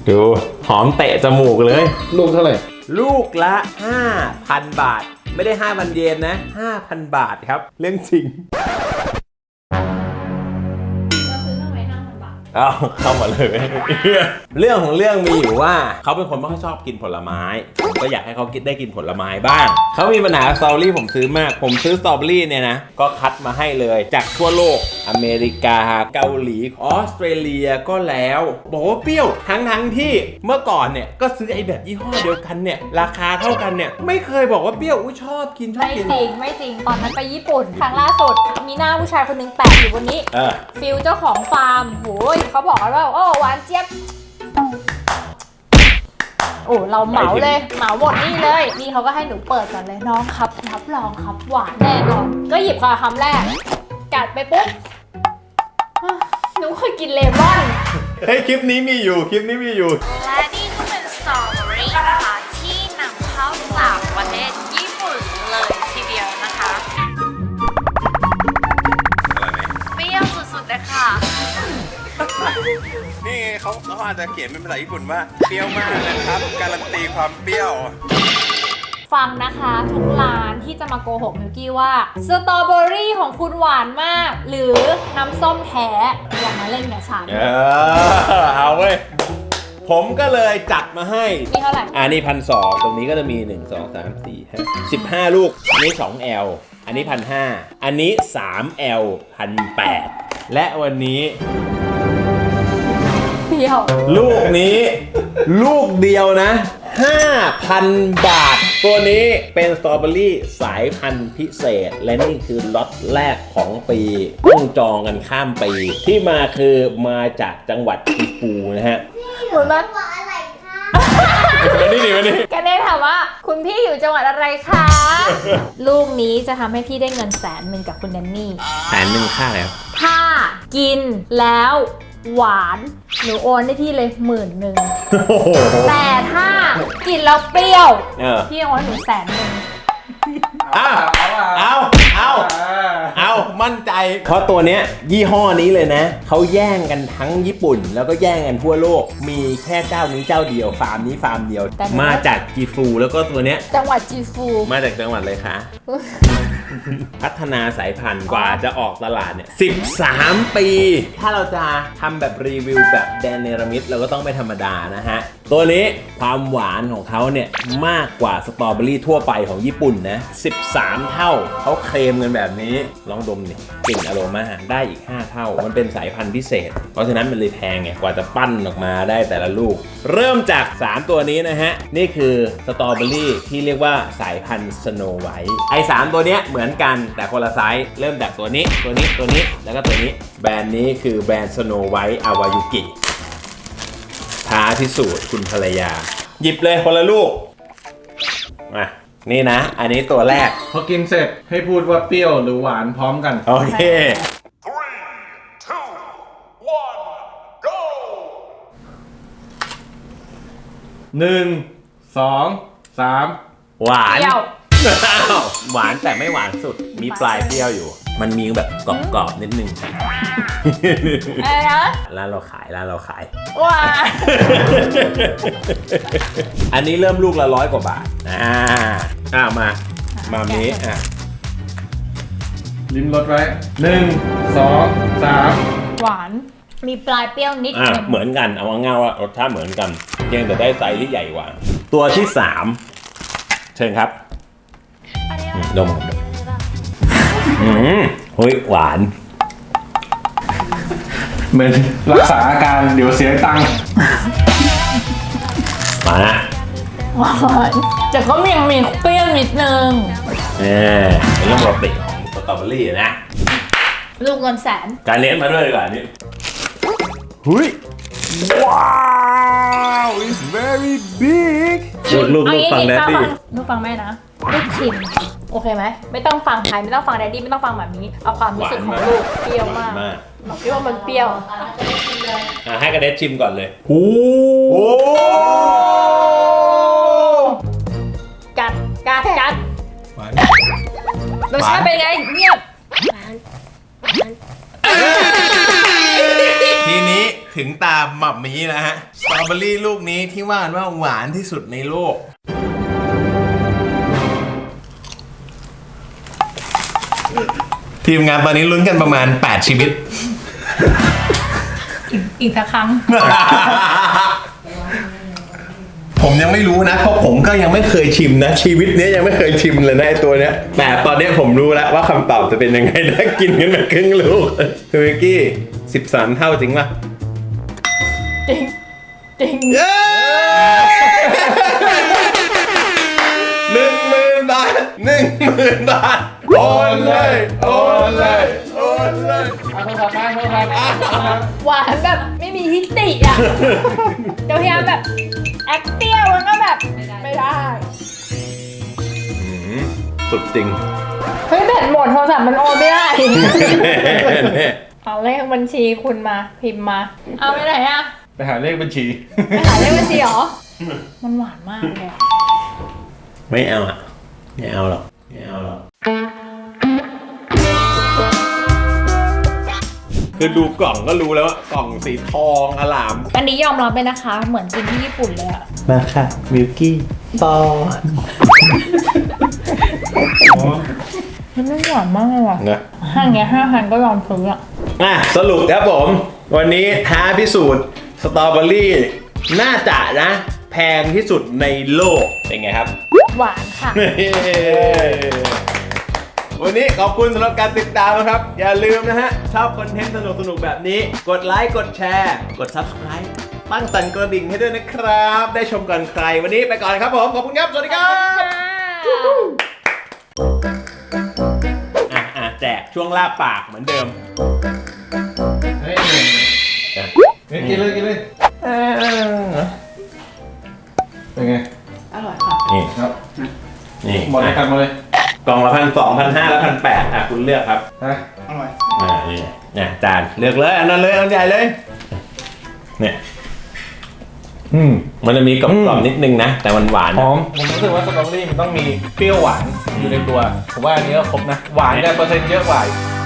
ดูหอมเตะจมูกเลยลูกเท่าไหร่ลูกละ 5,000 บาท ไม่ได้ 5,000 เยนนะ 5,000 บาทครับ เรื่องจริง เอาเข้ามาเลย เรื่องของเรื่องมีอยู่ว่าเขาเป็นคนไม่ค่อยชอบกินผลไม้ผมก็อยากให้เขาได้กินผลไม้บ้างเขามีปัญหาสตรอเบอรี่ผมซื้อมากผมซื้อสตรอเบอรี่เนี่ยนะก็คัดมาให้เลยจากทั่วโลกอเมริกาเกาหลีออสเตรเลียก็แล้วบอกว่าเปรี้ยวทั้งที่เมื่อก่อนเนี่ยก็ซื้อไอ้แบบยี่ห้อเดียวกันเนี่ยราคาเท่ากันเนี่ยไม่เคยบอกว่าเปรี้ยวชอบกินไม่จริงตอนนั้นไปญี่ปุ่นครั้งล่าสุดมีหน้าผู้ชายคนนึงแปะอยู่บนนี้ฟิลเจ้าของฟาร์มโหยเขาบอกว่าโอ้หวานเจี๊ยบโอ้เราเหมาเลยเหมาหมดนี่เลยนี่เขาก็ให้หนูเปิดก่อนเลยน้องครับรับรองครับหวานแน่นอนก็หยิบมาคำแรกกัดไปปุ๊บหนูเคยกินเลมอนเฮ้ยคลิปนี้มีอยู่และนี่ก็เป็นสตรอเบอรี่นะคะที่นำเข้าจากประเทศญี่ปุ่นเลยทีเดียวนะคะเปรี้ยวสุดๆเลยค่ะนี่ไงเขาอาจจะเขียนเป็นภาษาญี่ปุ่นว่าเปรี้ยวมากนะครับการันตีความเปรี้ยวฟังนะคะทุกร้านที่จะมาโกหกมิวกี้ว่าสตรอเบอรี่ของคุณหวานมากหรือน้ำส้มแท้อย่ามาเล่นกับฉันเอาเว้ยผมก็เลยจัดมาให้มีเท่าไหร่อันนี้1,200ตรงนี้ก็จะมี1 2 3 4 5 15ลูกอันนี้ 2L อันนี้1,500อันนี้ 3L 1,800และวันนี้ลูกนี้ลูกเดียวนะ 5,000 บาทตัวนี้เป็นสตรอเบอรี่สายพันธุ์พิเศษและนี่คือล็อตแรกของปีต้องจองกันข้ามปีที่มาคือมาจากจังหวัดกิฟูนะฮะเหมือนว่าอะไรคะมานี่กันเน่ถามว่าคุณพี่อยู่จังหวัดอะไรคะ ลูกนี้จะทำให้พี่ได้เงิน100,000กับคุณแดนนี่ 100,000ค่าแล้วถ้ากินแล้วหวานหนูโอนให้พี่เลย10,000แต่ถ้ากินแล้วเปรี้ยวพี่โอนให้หนู100,000 เอามั่นใจเพราะตัวเนี้ยยี่ห้อนี้เลยนะเขาแย่งกันทั้งญี่ปุ่นแล้วก็แย่งกันทั่วโลกมีแค่เจ้านี้เจ้าเดียวฟาร์มนี้ฟาร์มเดียวมาจากจีฟูแล้วก็ตัวเนี้ยจังหวัดจีฟูมาจากจังหวัดเลยคะพัฒนาสายพันธุ์กว่าจะออกตลาดเนี่ย13 ปีถ้าเราจะทำแบบรีวิวแบบแดนเนรมิตเราก็ต้องไม่ธรรมดานะฮะตัวนี้ความหวานของเขาเนี่ยมากกว่าสตรอเบอรี่ทั่วไปของญี่ปุ่นนะ13 เท่าเขาเคลมกันแบบนี้ลองดมนี่กลิ่นอโรมาได้อีก5 เท่ามันเป็นสายพันธุ์พิเศษเพราะฉะนั้นมันเลยแพงไงกว่าจะปั้นออกมาได้แต่ละลูกเริ่มจาก3ตัวนี้นะฮะนี่คือสตรอเบอรี่ที่เรียกว่าสายพันธุ์สโนว์ไวท์ไอ้3ตัวเนี้ยเหมือนกันแต่คนละไซส์เริ่มจากตัวนี้แล้วก็ตัวนี้แบรนด์นี้คือแบรนด์สโนว์ไวท์อาวายุกิท้าพิสูจน์คุณภรรยาหยิบเลยคนละลูกมานี่นะอันนี้ตัวแรกพอกินเสร็จให้พูดว่าเปรี้ยวหรือหวานพร้อมกันโอเค 3 2 1 หวานหวานแต่ไม่หวานสุดมีปลายเปรี้ยวอยู่มันมีแบบกรอบๆนิดนึงอะไรนะร้านเราขายว้าอันนี้เริ่มลูกละ100 กว่าบาทมานี้ลิ้มรสไว้1 2 3 หวานมีปลายเปรี้ยวนิดเหมือนกันเอาง่ายๆว่ารสชาติเหมือนกันเพียงแต่ได้ไซส์ที่ใหญ่กว่าตัวที่3เชิญครับดมเฮ้ยหวานเหมือนรักษาอาการเดี๋ยวเสียตังค์มานะหวานแต่ก็ยังมีเปรี้ยวนิดนึงเป็นเรื่องปกติของสตรอเบอรี่นะลูกเงิน100,000 การเลี้ยงมาด้วยดีกว่านี่เฮ้ยว้าว it's very big ลูกฟังแดดดี้ลูกฟังแม่นะลูกชิมโอเคไหมไม่ต้องฟังใครไม่ต้องฟังแดดดี้ไม่ต้องฟังแบบนี้เอาความรู้สึกของลูกเปรี้ยวมากบอกพี่ว่ามันเปรี้ยวให้กระเด็ดชิมก่อนเลยโอ้กัดรสชาติเป็นไงเงียบทีนี้ถึงตาหม่ำมีแล้วฮะสตรอเบอรี่ลูกนี้ที่ว่ากันว่าหวานที่สุดในโลกทีมงานตอนนี้ลุ้นกันประมาณ 8 ชีวิตอีกสักครั้งผมยังไม่รู้นะเพราะผมก็ยังไม่เคยชิมนะ ชีวิตนี้ยังไม่เคยชิมเลยนะไอตัวเนี้ยแต่ตอนนี้ผมรู้แล้วว่าคำตอบจะเป็นยังไงถ้ากินกันแบบครึ่งลูกคือวิกกี้13 เท่าจริงป่ะจริง จริงเย้ 10,000 บาท 10,000 บาทโอนเลยโอนเลยโอนเลยเอาโทรศัพท์ไปโทรศัพท์หวานแบบไม่มีทิฏฐิอ่ะ เดี๋ยวพยายามแบบแอคเปรี้ยวมันก็แบบไม่ได้สุดจริงเฮ้ยแบตหมดโทรศัพท์มันโอนไม่ได้ เอาเลขบัญชีคุณมาพิมพ์มา เอาไปไหนอ่ะไปหาเลขบัญชีไปหาเลขบัญชีเหรอ มันหวานมากเลยอะไม่เอาอ่ะไม่เอาหรอกไม่เอาหรอกคือดูกล่องก็รู้แล้วว่ากล่องสีทองอลามอันนี้ยอมรับเลยนะคะ เหมือนกินที่ญี่ปุ่นเลยอะมาค่ะมิลกี้ปอนมันหวานมากเลยว่ะนะห้างเงี้ย5,000ก็ยอมซื้ออะสรุปครับผม วันนี้ท้าพิสูจน์สตรอเบอรี่น่าจะนะ แพงที่สุดในโลก เป็นไงครับหวานค่ะวันนี้ขอบคุณสำหรับการติดตามนะครับ อย่าลืมนะฮะ ชอบคอนเทนต์สนุกๆแบบนี้ กดไลค์ กดแชร์ กด Subscribe ตั้งสั่นกระดิ่งให้ด้วยนะครับ ได้ชมก่อนใคร วันนี้ไปก่อนครับผม ขอบคุณครับ สวัสดีครับ แจกช่วงลาบปากเหมือนเดิมเฮ้ยกินเลยกินเลยเป็นไงนี่ครับนี่หมดเลยกันหมดเลยกล่องละ1,200 1,500 และ 1,800คุณเลือกครับฮะนี่เนี่ยจานเลือกเลยอันนั้นเลยอันใหญ่เลย เนี่ย มันจะมีกรอบๆนิดนึงนะ แต่มันหวานหอมผมรู้สึกว่าสตรอเบอรี่มันต้องมีเปรี้ยวหวานอยู่ในตัว ผมว่าอันนี้ก็ครบนะ หวานแต่เปอร์เซ็นต์เยอะกว่าอีก